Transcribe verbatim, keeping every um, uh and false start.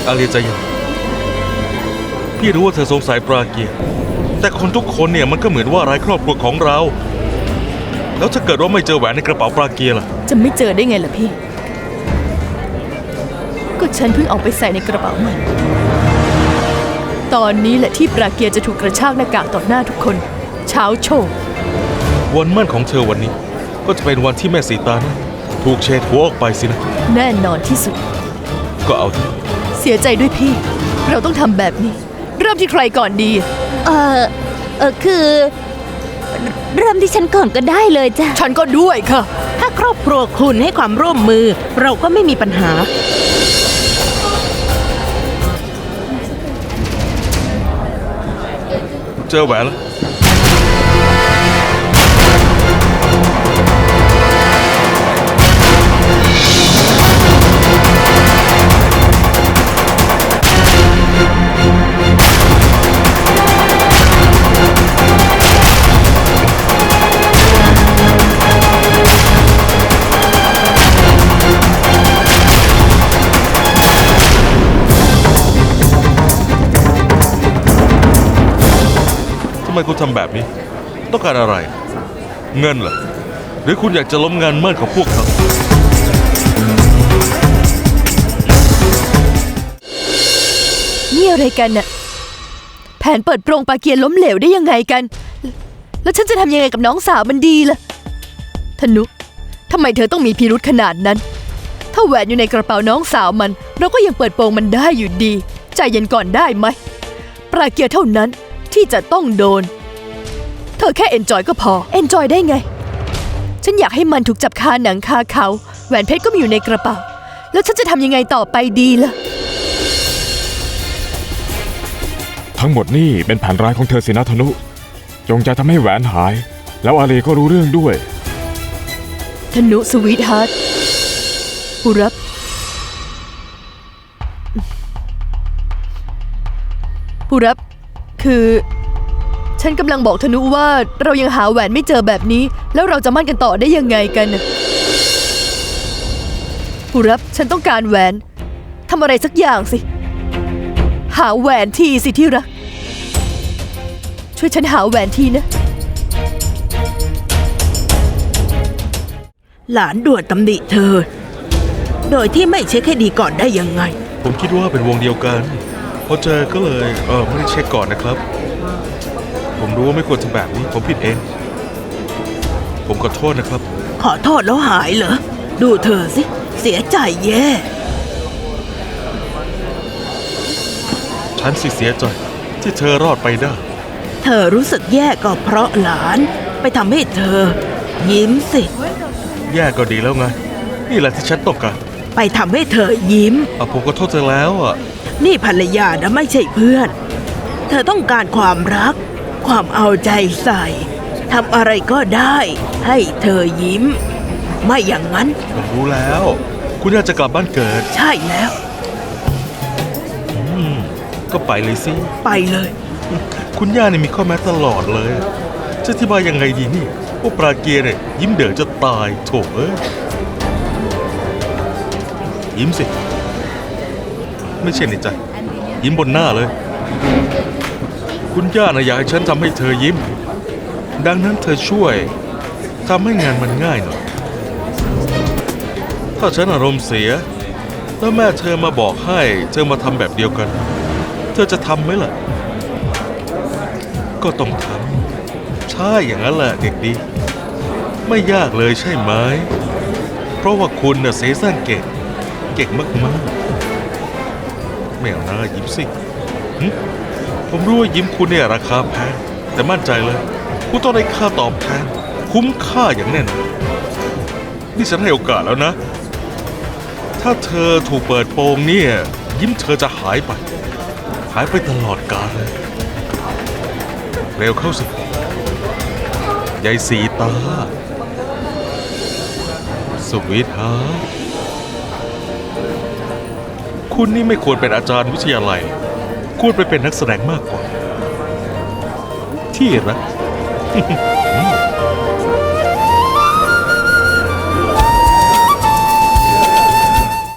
อาเลียใจเย็นพี่รู้ว่าเธอสงสัยปราเกียร์แต่คนทุกคนเนี่ยมันก็เหมือนว่าร้ายครอบครัวของเราแล้วถ้าเกิดว่าไม่เจอแหวนในกระเป๋าปราเกียร์ล่ะจะไม่เจอได้ไงล่ะพี่ก็ฉันเพิ่งเอาไปใส่ในกระเป๋ามันตอนนี้แหละที่ปราเกียร์จะถูกกระชากหน้ากากต่อหน้าทุกคนเช้าโชว์วันมั่นของเธอวันนี้ก็จะเป็นวันที่แม่สีตานะถูกเฉดหัวออกไปสินะแน่นอนที่สุดก็เอาเถอะเสียใจด้วยพี่เราต้องทำแบบนี้เริ่มที่ใครก่อนดีเออเออคือเริ่มที่ฉันก่อนก็ได้เลยจ้ะฉันก็ด้วยค่ะถ้าครอบครัวคุณให้ความร่วมมือเราก็ไม่มีปัญหาเจอแหวนแล้วทำไมคุณทำแบบนี้ต้องการอะไรเงินเหรอหรือคุณอยากจะล้มงานมั่นของพวกเขานี่อะไรกันน่ะแผนเปิดโปรงปาเกียร์ล้มเหลวได้ยังไงกันแล้วฉันจะทำยังไงกับน้องสาวมันดีล่ะธนุทำไมเธอต้องมีพิรุธขนาดนั้นถ้าแหวนอยู่ในกระเป๋าน้องสาวมันเราก็ยังเปิดโปงมันได้อยู่ดีใจเย็นก่อนได้ไหมปาเกียร์เท่านั้นที่จะต้องโดนเธอแค่เอนจอยก็พอเอนจอยได้ไงฉันอยากให้มันถูกจับคาหนังคาเขาแหวนเพชรก็มีอยู่ในกระเป๋าแล้วฉันจะทำยังไงต่อไปดีล่ะทั้งหมดนี่เป็นแผนร้ายของเธอสินะธนุจงใจทำให้แหวนหายแล้วอาลีก็รู้เรื่องด้วยธนุสวีทฮาร์ทปุรับปุรับคือฉันกำลังบอกธนุว่าเรายังหาแหวนไม่เจอแบบนี้แล้วเราจะมั่นกันต่อได้ยังไงกันปุรับฉันต้องการแหวนทำอะไรสักอย่างสิหาแหวนทีสิที่รักช่วยฉันหาแหวนทีนะหลานด่วนตำหนิเธอโดยที่ไม่เช็คให้ดีก่อนได้ยังไงผมคิดว่าเป็นวงเดียวกันพอเจอก็เลยเออไม่ได้เช็คก่อนนะครับผมรู้ว่าไม่ควรทำแบบนี้ผมผิดเองผมขอโทษนะครับขอโทษแล้วหายเหรอดูเธอสิเสียใจแย่ฉันสิเสียใจที่เธอรอดไปได้เธอรู้สึกแย่ก็เพราะหลานไปทำให้เธอยิ้มสิแย่ก็ดีแล้วไงนี่แหละที่ฉันต้องการไปทำให้เธอยิ้มอ่ะผมก็โทษเธอแล้วอ่ะนี่ภรรยานะไม่ใช่เพื่อนเธอต้องการความรักความเอาใจใส่ทำอะไรก็ได้ให้เธอยิ้มไม่อย่างนั้นผมรู้แล้วคุณอยากจะกลับบ้านเกิดใช่แล้วอืมก็ไปเลยสิไปเลยคุณย่าเนี่ยมีข้อแม้ตลอดเลยจะอธิบายยังไงดีนี่ว่าปราเกียร์เนี่ยยิ้มเด๋อจะตายโถเอ้ยยิ้มสิไม่ใช่ในใจยิ้มบนหน้าเลยคุณย่านะอยากให้ฉันทำให้เธอยิ้มดังนั้นเธอช่วยทำให้งานมันง่ายหน่อยถ้าฉันอารมณ์เสียแล้วแม่เธอมาบอกให้เธอมาทำแบบเดียวกันเธอจะทำไหมล่ะก็ต้องทำใช่อย่างนั้นแหละเด็กดีไม่ยากเลยใช่ไหมเพราะว่าคุณน่ะเสแสร้งเก่งเก่งมากๆไม่เอาหน้ายิ้มสิผมรู้ว่ายิ้มคุณเนี่ยราคาแพงแต่มั่นใจเลยคุณต้องได้ค่าตอบแทนคุ้มค่าอย่างแน่นอนนี่ฉันให้โอกาสแล้วนะถ้าเธอถูกเปิดโปงเนี่ยยิ้มเธอจะหายไปหายไปตลอดกาลเลยเร็วเข้าสิยายสีตาสุวิทย์ฮะคุณนี่ไม่ควรเป็นอาจารย์วิทยาลัยควรไปเป็นนักแสดงมากกว่าที่รัก